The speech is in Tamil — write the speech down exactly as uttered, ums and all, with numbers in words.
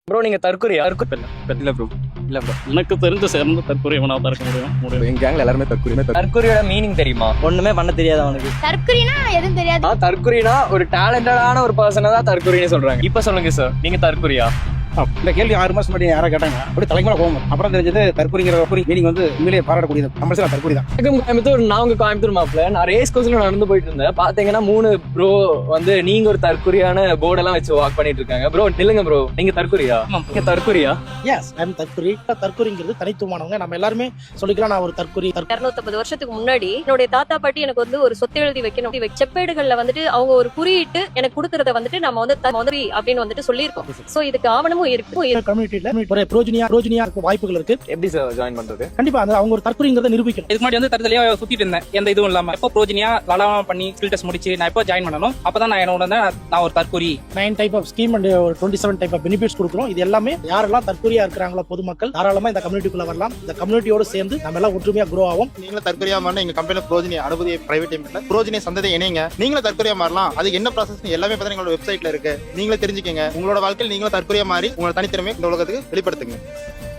ப்ரோ நீங்க தற்கொலையா? தற்கொலை இல்ல ப்ரோ. இல்ல ப்ரோ, எனக்கு தெரிஞ்ச சேர்ந்து தற்கொலை வேணா தான் இருக்க முடியும் முடியும் எங்க கேங்ல எல்லாருமே தற்கொலை. தற்கொலையோட மீனிங் தெரியுமா? ஒண்ணுமே பண்ண தெரியாது அவனுக்கு. தற்குறினா எதுவும் தெரியாது. தற்கொலைனா ஒரு டேலண்டடான ஒரு பர்சனை தான் தற்கொலைன்னு சொல்றாங்க. இப்ப சொல்லுங்க சார், நீங்க தற்கொலையா? இந்த கேள்வி ஆறு மாசம் முன்னாடி யாரா கேட்டாங்க, அப்படி தலைமையில போகும். அப்புறம் தெரிஞ்சது தற்கொலைங்கிற மீனிங் வந்து உண்மையிலேயே பாராட்டக்கூடியது. நம்ம சில தற்கொலை தான். கோயம்புத்தூர், நான் உங்க கோயம்புத்தூர் மாப்பிள்ள. நான் ரேஸ் கோர்ஸ்ல நடந்து போயிட்டு இருந்தேன். பாத்தீங்கன்னா மூணு ப்ரோ வந்து நீங்க ஒரு தற்கொலையான போர்டெல்லாம் வச்சு வாக் பண்ணிட்டு இருக்காங்க. ப்ரோ நில்லுங்க ப்ரோ, நீங்க தற்கொலையா? நீங்க தற்கொலையா? எஸ், ஐ அம் தற்கொலை. தற்கொலைங்கிறது தனித்துவமானவங்க. நம்ம எல்லாருமே சொல்லிக்கலாம் நான் ஒரு தற்கொலை. இருநூத்தி வருஷத்துக்கு முன்னாடி என்னுடைய தாத்தா பாட்டி எனக்கு வந்து ஒரு சொத்து எழுதி வைக்கணும், செப்பேடுகள்ல வந்துட்டு அவங்க ஒரு குறியிட்டு எனக்கு கொடுக்கறத வந்துட்டு நம்ம வந்து தற்கொலை அப்படின்னு வந்துட்டு சொல்லியிருக்கோம். சோ இதுக்கு ஆவணமும் இருக்கு. ஒரு புரோஜனியா புரோஜனியா இருக்க வாய்ப்புகள் இருக்கு. எப்படி சார் ஜாயின் பண்றது? கண்டிப்பா அந்த அவங்க ஒரு தற்கொலைங்கிறத நிரூபிக்கணும். இதுக்கு முன்னாடி வந்து தரத்துலயே சுத்திட்டு இருந்தேன், எந்த இதுவும் இல்லாம. எப்போ ப்ரோஜனியா லலாவா பண்ணி ஸ்கில் டெஸ்ட் முடிச்சு நான் எப்போ ஜாயின் பண்ணணும், அப்பதான் நான் என்னோட நான் ஒரு தற்கொலை nine type of scheme and ஒரு twenty seven type of benefits கொடுக்குறோம். இது எல்லாமே யாரெல்லாம் தற்கொலையா இருக்கிறாங்களோ பொதுமக்கள் தாராளமா இந்த கம்யூனிட்டிக்குள்ள வரலாம். இந்த கம்யூனிட்டியோட சேர்ந்து நம்ம எல்லாம் ஒற்றுமையா குரோ ஆகும். நீங்களும் தற்கொலையா மாறினா எங்க கம்பெனில ப்ரோஜனி அனுமதி பிரைவேட் லிமிட்ல ப்ரோஜனி சந்ததி இணைங்க. நீங்களும் தற்கொலையா மாறலாம். அதுக்கு என்ன ப்ராசஸ் எல்லாமே பார்த்தீங்கன்னா எங்களோட வெப்சைட்ல இருக்கு. நீங்களே தெரிஞ்சுக்கங்க. உங்களோட வாழ்க்கையில் நீங்களும் தற்கொலையா மாறி உங்களோட தனித்திறமை இந்த உலகத்துக்கு வெளிப்படுத்துங்க.